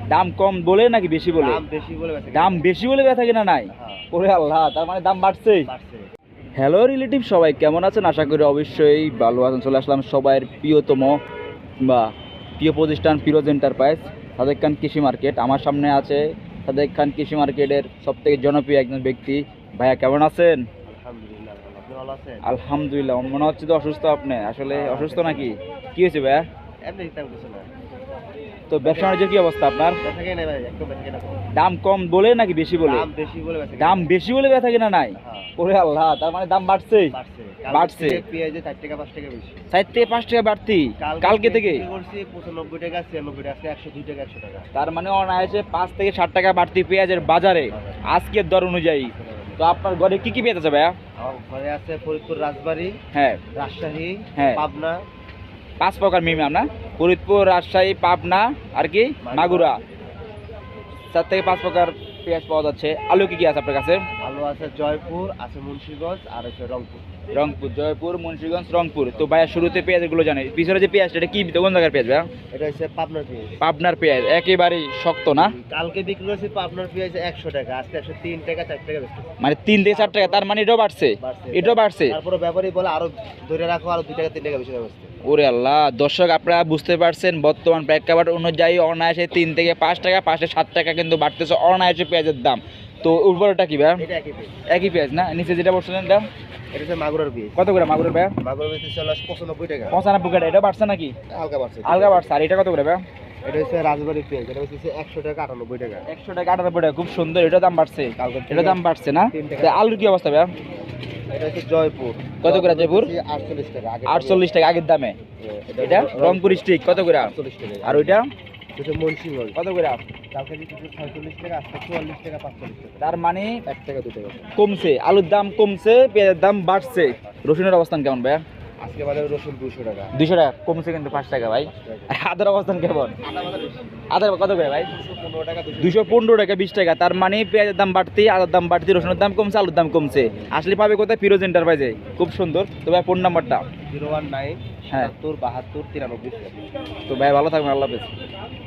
দাম কম বলে নাকি বেশি বলে? দাম বেশি বলে ব্যথা কিনা নাই। ওরে আল্লাহ, তার মানে দাম বাড়ছে। হ্যালো রিলেটিভ, সবাই কেমন আছেন? আশা করি অবশ্যই ভালো আছেন। চলে আসলাম সবাইয়ের প্রিয়তম বা প্রিয় প্রতিষ্ঠান ফিরোজ এন্টারপ্রাইজ, সাদেক খান কৃষি মার্কেট। আমার সামনে আছে সাদেক খান কৃষি মার্কেটের সবথেকে জনপ্রিয় একজন ব্যক্তি। ভাইয়া কেমন আছেন? আলহামদুলিল্লাহ। মনে হচ্ছে তো অসুস্থ আপনি। আসলে অসুস্থ নাকি? কি হয়েছে ভাইয়া? তো ব্যবসা বাণিজ্যের কি অবস্থা আপনার? দাম কম বলে নাকি বেশি বলে? দাম বেশি বলে ব্যথা কিনা নাই। ওরে আল্লাহ, তার মানে দাম বাড়ছে। বাড়ছে 4 থেকে 5 টাকা বাড়তি কালকে থেকে। তার মানে অনায়াসে 5 থেকে 7 টাকা বাড়তি পেঁয়াজের বাজারে আজকের দর অনুযায়ী। তো আপনার ঘরে কি কি পেঁয়াজ আছে ভাইয়া? ঘরে আছে ফরিদপুর, রাজবাড়ী, হ্যাঁ, রাজশাহী, হ্যাঁ, পাবনা। 5 প্রকার মিনিমাম না? ফরিদপুর, রাজশাহী, পাবনা আর কি মাগুরা। 4 থেকে 5 প্রকার পেঁয়াজ পাওয়া যাচ্ছে। আলু কি কি আছে আপনার কাছে? আলু আছে জয়পুর, আছে মুন্সিগঞ্জ, আর আছে রংপুর। রংপুর, জয়পুর, মুন্সিগঞ্জ, রংপুর। তো ভাইয়া শুরুতে পেঁয়াজগুলো জানে, পিছনে যে পেঁয়াজটা এটা কি কোন জায়গার পেঁয়াজ ভাইয়া? এটা হচ্ছে পাবনার পেঁয়াজ। পাবনার পেঁয়াজ একেবারেই শক্ত না? কালকে বিক্রি করেছি পাবনার পেঁয়াজ 100 টাকা, আজকে 103 টাকা 4 টাকা বেশি। মানে 3 থেকে 4 টাকা। তার মানে এটাও বাড়ছে, এটাও বাড়ছে। তারপরে ব্যাপারী বলে আরো ধরে রাখো, আরো 2 টাকা 3 টাকা বেশি হবে। ওরে আল্লাহ, দর্শক আপনারা বুঝতে পারছেন বর্তমান প্রেক্ষাপট অনুযায়ী অনায়াসে 3 থেকে 5 টাকা, 5 থেকে 7 টাকা কিন্তু বাড়তেছে অনায়াসে পেঁয়াজের দাম। তো উর্বরটা কি ভাইয়া? এটা একই পেঁয়াজ। একই পেঁয়াজ না? নিচে যেটা বলছিলেন দাম এটা হচ্ছে মাগুরার পেঁয়াজ। কত করে মাগুরের ভাইয়া? মাগুরার পেঁয়াজ চলে 95 টাকা। 95 টাকা। এটা বাড়ছে নাকি? হালকা বাড়ছে। আলগা বাড়ছে। আর এটা কত করে ভাইয়া? এটা হচ্ছে রাজবাড়ী পেঁয়াজ, এটা হচ্ছে 100 টাকা 98 টাকা। 100 টাকা 98 টাকা। খুব সুন্দর, এটা দাম বাড়ছে। এটা দাম বাড়ছে না? আলুর কি অবস্থা ভাইয়া? এটা হচ্ছে জয়পুর। কত করে জয়পুর? 48 টাকা। 48 টাকা আগের দামে। এটা রংপুর স্টিক কত করে? 48 টাকা। আর ওইটা এটা মুন্সিগঞ্জ কত করে? কালকে বিক্রি 46 টাকা, আজকে 44 টাকা 45 টাকা। তার মানে 1 টাকা 2 টাকা কমছে। আলুর দাম কমছে, পেঁয়াজের দাম বাড়ছে। রসুনের অবস্থান কেমন ভাইয়া? আজকে বাজারে রসুন 200 টাকা। 200 টাকা কমছে কিন্তু 5 টাকা ভাই। আদার অবস্থান কেমন? আদার কত করে ভাই? 215 টাকা। 215 টাকা 20 টাকা। তার মানে পেঁয়াজের দাম বাড়তি, আদার দাম বাড়তি, রসুনের দাম কমছে, আলুর দাম কমছে। আসলে পাবে কোথায়? ফিরোজ এন্টারপ্রাইজে। খুব সুন্দর। তো ভাই ফোন নাম্বারটা? 019 হ্যাঁ, 72 72 93। তো ভাই ভালো থাকবেন, আল্লাহ হাফেজ।